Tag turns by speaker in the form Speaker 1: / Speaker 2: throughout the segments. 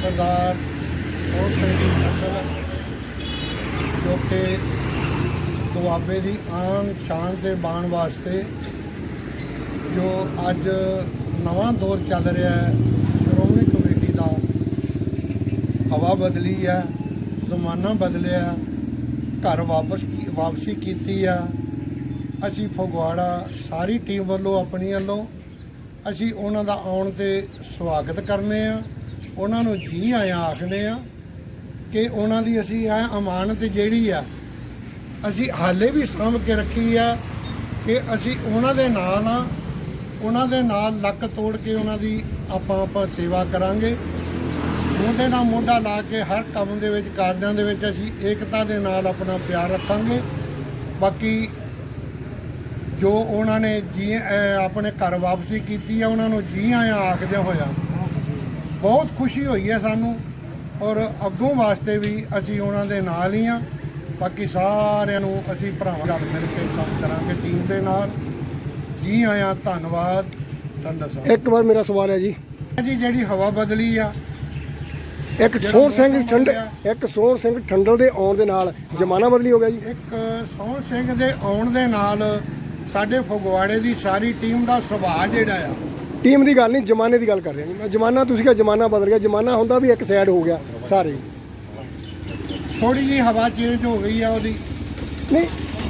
Speaker 1: सरदार सोहन सिंह जी संधल जो कि दुआबे की आन शान से बाण वास्ते जो अज नवा दौर चल रहा है, श्रोमणी कमेटी का हवा बदली है, जमाना बदलिया, घर वापसी की है। असी फगवाड़ा सारी टीम वालों अपनी वालों असी उन्हां दा आउण ते स्वागत करने आ, उन्हां नूं जी आया आखने आ कि उन्हां दी असी यह अमानत जिहड़ी आ असी हाले भी साਂਭ के रखी है कि असी उन्हां दे नाल आ, उन्हां दे नाल लक तोड़ के उन्हां दी आपां सेवा करांगे। मोढे नाल मोढा ला के हर काम दे विच कारजां दे विच असी एकता दे नाल अपना प्यार रखांगे। बाकी जो उन्होंने जी अपने घर वापसी की है उन्होंने जी आया आखदे होया बहुत खुशी हुई है सानू, और अगों वास्ते भी असी उन्हों दे नाल ही हाँ। बाकी सारिਆਂ ਨੂੰ असी भरावां रल मिल के काम करांगे टीम दे नाल। जी आया, धन्नवाद। धन्यवाद।
Speaker 2: एक बार मेरा सवाल है जी
Speaker 1: जी हवा बदली आ,
Speaker 2: एक सोहन सिंह ठंडल ਦੇ ਆਉਣ ਦੇ ਨਾਲ ਜ਼ਮਾਨਾ ਬਦਲੀ ਹੋ ਗਿਆ ਜੀ।
Speaker 1: एक सोहन सिंह ਦੇ ਆਉਣ ਦੇ ਨਾਲ ਸਾਡੇ ਫਗਵਾੜੇ ਦੀ ਸਾਰੀ ਟੀਮ ਦਾ ਸੁਭਾਅ ਜਿਹੜਾ ਆ,
Speaker 2: ਟੀਮ ਦੀ ਗੱਲ ਨਹੀਂ, ਜ਼ਮਾਨੇ ਦੀ ਗੱਲ ਕਰ ਰਿਹਾ ਜੀ ਮੈਂ। ਜ਼ਮਾਨਾ ਤੁਸੀਂ ਕਿਹਾ ਜ਼ਮਾਨਾ ਬਦਲ ਗਿਆ, ਜ਼ਮਾਨਾ ਹੁੰਦਾ ਵੀ ਇੱਕ ਸਾਈਡ ਹੋ ਗਿਆ ਸਾਰੇ।
Speaker 1: ਥੋੜੀ ਜਿਹੀ ਹਵਾ ਚੇਂਜ ਹੋ ਗਈ ਆ ਉਹਦੀ।
Speaker 2: ਨਹੀਂ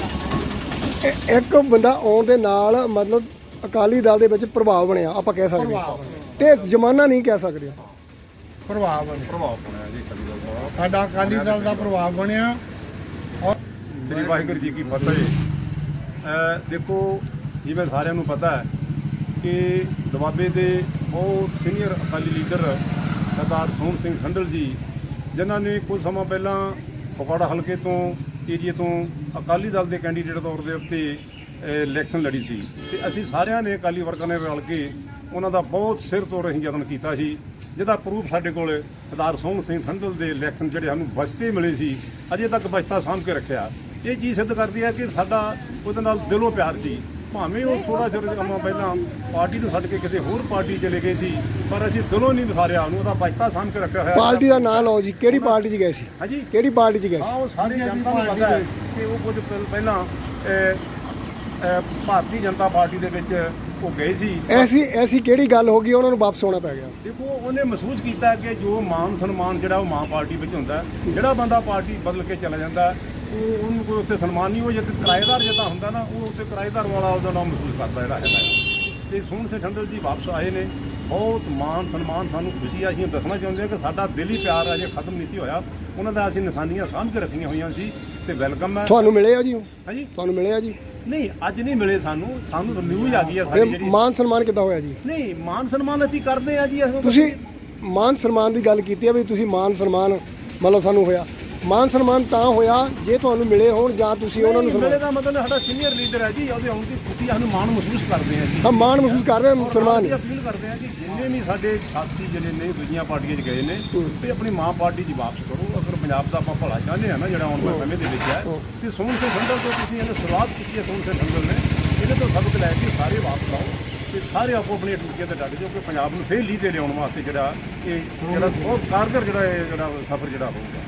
Speaker 2: ਇੱਕ ਬੰਦਾ ਆਉਣ ਦੇ ਨਾਲ ਮਤਲਬ ਅਕਾਲੀ ਦਲ ਦੇ ਵਿੱਚ ਪ੍ਰਭਾਵ ਬਣਿਆ ਆਪਾਂ ਕਹਿ ਸਕਦੇ ਹਾਂ, ਤੇ ਜ਼ਮਾਨਾ ਨਹੀਂ ਕਹਿ ਸਕਦੇ।
Speaker 1: ਪ੍ਰਭਾਵ
Speaker 3: ਬਣਿਆ ਜੀ ਅਕਾਲੀ ਦਲ ਦਾ,
Speaker 1: ਸਾਡਾ ਅਕਾਲੀ ਦਲ ਦਾ ਪ੍ਰਭਾਵ ਬਣਿਆ। ਔਰ
Speaker 3: ਸ੍ਰੀ ਵਾਹਿਗੁਰੂ ਜੀ ਕੀ ਫਤਿਹ। ਦੇਖੋ ਜਿਵੇਂ ਸਾਰਿਆਂ ਨੂੰ ਪਤਾ ਹੈ ਕਿ ਦੁਆਬੇ ਦੇ ਬਹੁਤ ਸੀਨੀਅਰ ਅਕਾਲੀ ਲੀਡਰ ਸਰਦਾਰ ਸੋਹਣ ਸਿੰਘ ਠੰਡਲ ਜੀ, ਜਿਨ੍ਹਾਂ ਨੇ ਕੁਝ ਸਮਾਂ ਪਹਿਲਾਂ ਫਗਵਾੜਾ ਹਲਕੇ ਤੋਂ ਏਰੀਏ ਤੋਂ ਅਕਾਲੀ ਦਲ ਦੇ ਕੈਂਡੀਡੇਟ ਤੌਰ ਦੇ ਉੱਤੇ ਇਲੈਕਸ਼ਨ ਲੜੀ ਸੀ, ਤੇ ਅਸੀਂ ਸਾਰਿਆਂ ਨੇ ਅਕਾਲੀ ਵਰਕਰਾਂ ਨੇ ਰਲ ਕੇ ਉਹਨਾਂ ਦਾ ਬਹੁਤ ਸਿਰ ਤੋੜ ਅਸੀਂ ਯਤਨ ਕੀਤਾ ਸੀ, ਜਿਹਦਾ ਪ੍ਰੂਫ ਸਾਡੇ ਕੋਲ ਸਰਦਾਰ ਸੋਹਣ ਸਿੰਘ ਠੰਡਲ ਦੇ ਇਲੈਕਸ਼ਨ ਜਿਹੜੇ ਸਾਨੂੰ ਬਚਤੇ ਮਿਲੇ ਸੀ, ਅਜੇ ਤੱਕ ਬਚਤਾ ਸਾਂਭ ਕੇ ਰੱਖਿਆ। ਇਹ ਚੀਜ਼ ਸਿੱਧ ਕਰਦੀ ਹੈ ਕਿ ਸਾਡਾ ਉਹਦੇ ਨਾਲ ਦਿਲੋਂ ਪਿਆਰ ਸੀ। ਭਾਵੇਂ ਉਹ ਥੋੜਾ ਜਿਹਾ ਸਮਾਂ ਪਹਿਲਾਂ ਪਾਰਟੀ ਨੂੰ ਛੱਡ ਕੇ ਕਿਸੇ ਹੋਰ ਪਾਰਟੀ ਚਲੇ ਗਏ ਸੀ, ਪਰ ਅਸੀਂ ਦਿਲੋਂ ਨਹੀਂ ਵਿਸਾਰਿਆ ਉਹਨੂੰ, ਉਹਦਾ ਬਚਤਾ ਸਾਂਭ ਕੇ ਰੱਖਿਆ ਹੋਇਆ।
Speaker 2: ਪਾਰਟੀ ਦਾ ਨਾਂ ਲਓ ਜੀ, ਕਿਹੜੀ ਪਾਰਟੀ 'ਚ ਗਏ ਸੀ?
Speaker 3: ਹਾਂਜੀ,
Speaker 2: ਕਿਹੜੀ ਪਾਰਟੀ 'ਚ ਗਏ ਸੀ?
Speaker 3: ਹਾਂ, ਉਹ ਸਾਰੀ ਜਨਤਾ ਨੂੰ ਪਤਾ ਹੈ ਕਿ ਉਹ ਕੁਝ ਪਹਿਲਾਂ ਭਾਰਤੀ ਜਨਤਾ ਪਾਰਟੀ ਦੇ ਵਿੱਚ ਉਹ ਗਏ ਸੀ।
Speaker 2: ਐਸੀ ਕਿਹੜੀ ਗੱਲ ਹੋ ਗਈ ਉਹਨਾਂ ਨੂੰ ਵਾਪਸ ਆਉਣਾ ਪੈ ਗਿਆ?
Speaker 3: ਦੇਖੋ, ਉਹਨੇ ਮਹਿਸੂਸ ਕੀਤਾ ਕਿ ਜੋ ਮਾਨ ਸਨਮਾਨ ਜਿਹੜਾ ਉਹ ਮਾਂ ਪਾਰਟੀ ਵਿੱਚ ਹੁੰਦਾ, ਜਿਹੜਾ ਬੰਦਾ ਪਾਰਟੀ ਬਦਲ ਕੇ ਚਲਾ ਜਾਂਦਾ ਉਹ ਉਹਨੂੰ ਕੋਈ ਉੱਥੇ ਸਨਮਾਨ ਨਹੀਂ, ਉਹ ਜੇ ਕਿਰਾਏਦਾਰ ਜਿੱਦਾਂ ਹੁੰਦਾ ਨਾ, ਉਹ ਉੱਥੇ ਕਿਰਾਏਦਾਰ ਵਾਲਾ ਉਹਦਾ ਨਾਮ ਮਹਿਸੂਸ ਕਰਦਾ ਜਿਹੜਾ ਹੈਗਾ। ਤੇ ਸੋਹਣ ਸਿੰਘ ਠੰਡਲ ਜੀ ਵਾਪਸ ਆਏ ਨੇ, ਬਹੁਤ ਮਾਨ ਸਨਮਾਨ, ਸਾਨੂੰ ਖੁਸ਼ੀ ਆ। ਅਸੀਂ ਦੱਸਣਾ ਚਾਹੁੰਦੇ ਹਾਂ ਕਿ ਸਾਡਾ ਦਿਲੀ ਪਿਆਰ ਅਜੇ ਖਤਮ ਨਹੀਂ ਸੀ ਹੋਇਆ, ਉਹਨਾਂ ਦਾ ਅਸੀਂ ਨਿਸ਼ਾਨੀਆਂ ਸਾਂਭ ਕੇ ਰੱਖੀਆਂ ਹੋਈਆਂ ਸੀ, ਤੇ ਵੈਲਕਮ ਹੈ।
Speaker 2: ਤੁਹਾਨੂੰ ਮਿਲੇ ਆ ਜੀ?
Speaker 3: ਹਾਂਜੀ,
Speaker 2: ਤੁਹਾਨੂੰ ਮਿਲੇ ਆ ਜੀ?
Speaker 3: ਨਹੀਂ, ਅੱਜ ਨਹੀਂ ਮਿਲੇ ਸਾਨੂੰ ਨਿਊਜ਼ ਆ ਗਈ ਆ ਸਾਡੀ ਜਿਹੜੀ।
Speaker 2: ਮਾਨ ਸਨਮਾਨ ਕਿੱਦਾਂ ਹੋਇਆ ਜੀ?
Speaker 3: ਨਹੀਂ, ਮਾਨ ਸਨਮਾਨ ਅਸੀਂ ਕਰਦੇ ਆ ਜੀ।
Speaker 2: ਤੁਸੀਂ ਮਾਨ ਸਨਮਾਨ ਦੀ ਗੱਲ ਕੀਤੀ ਆ ਵੀ ਤੁਸੀਂ ਮਾਨ ਸਨਮਾਨ ਮਤਲਬ ਸਾਨੂੰ ਹੋਇਆ, ਮਾਨ ਸਨਮਾਨ ਤਾਂ ਹੋਇਆ ਜੇ ਤੁਹਾਨੂੰ ਮਿਲੇ ਹੋਣ ਜਾਂ ਤੁਸੀਂ ਉਹਨਾਂ ਨੂੰ
Speaker 3: ਮਿਲੇ ਦਾ ਮਤਲਬ ਸਾਡਾ ਸੀਨੀਅਰ ਲੀਡਰ ਹੈ ਜੀ, ਉਹਦੇ ਆਉਣ ਦੀ ਖੁਸ਼ੀ ਸਾਨੂੰ ਮਾਣ ਮਹਿਸੂਸ ਕਰਦੇ ਆ ਜੀ।
Speaker 2: ਹਾਂ, ਮਾਣ ਮਹਿਸੂਸ ਕਰ ਰਹੇ ਮੁਸਲਮਾਨ
Speaker 3: ਅਪੀਲ ਕਰਦੇ ਆ ਕਿ ਜਿੰਨੇ ਵੀ ਸਾਡੇ ਸਾਥੀ ਜਿਹੜੇ ਨੇ ਦੂਜੀਆਂ ਪਾਰਟੀਆਂ 'ਚ ਗਏ ਨੇ, ਵੀ ਆਪਣੀ ਮਾਂ ਪਾਰਟੀ 'ਚ ਵਾਪਸ ਕਰੋ। ਅਗਰ ਪੰਜਾਬ ਦਾ ਆਪਾਂ ਭਲਾ ਚਾਹੁੰਦੇ ਆ ਨਾ, ਜਿਹੜਾ ਆਉਣ ਵਾਲੇ ਸਮੇਂ ਦੇ ਵਿੱਚ ਹੈ, ਤੇ ਸੋਹਣ ਸਿੰਘ ਠੰਡਲ ਤੋਂ ਤੁਸੀਂ ਇਹਨੇ ਸ਼ੁਰੂਆਤ ਕੀਤੀ ਹੈ। ਸੋਹਣ ਸਿੰਘ ਠੰਡਲ ਨੇ ਇਹਦੇ ਤੋਂ ਸਬਕ ਲੈ ਕੇ ਸਾਰੇ ਵਾਪਸ ਆਓ, ਤੇ ਸਾਰੇ ਆਪੋ ਆਪਣੀਆਂ ਡਿਊਟੀਆਂ ਤੇ ਡਟ ਜਾਓ ਕਿ ਪੰਜਾਬ ਨੂੰ ਫੇਰ ਲੀਹ ਤੇ ਲਿਆਉਣ ਵਾਸਤੇ ਜਿਹੜਾ ਇਹ ਬਹੁਤ ਕਾਰਗਰ ਜਿਹੜਾ ਸਫ਼ਰ ਜਿਹੜਾ ਹੋਊਗਾ।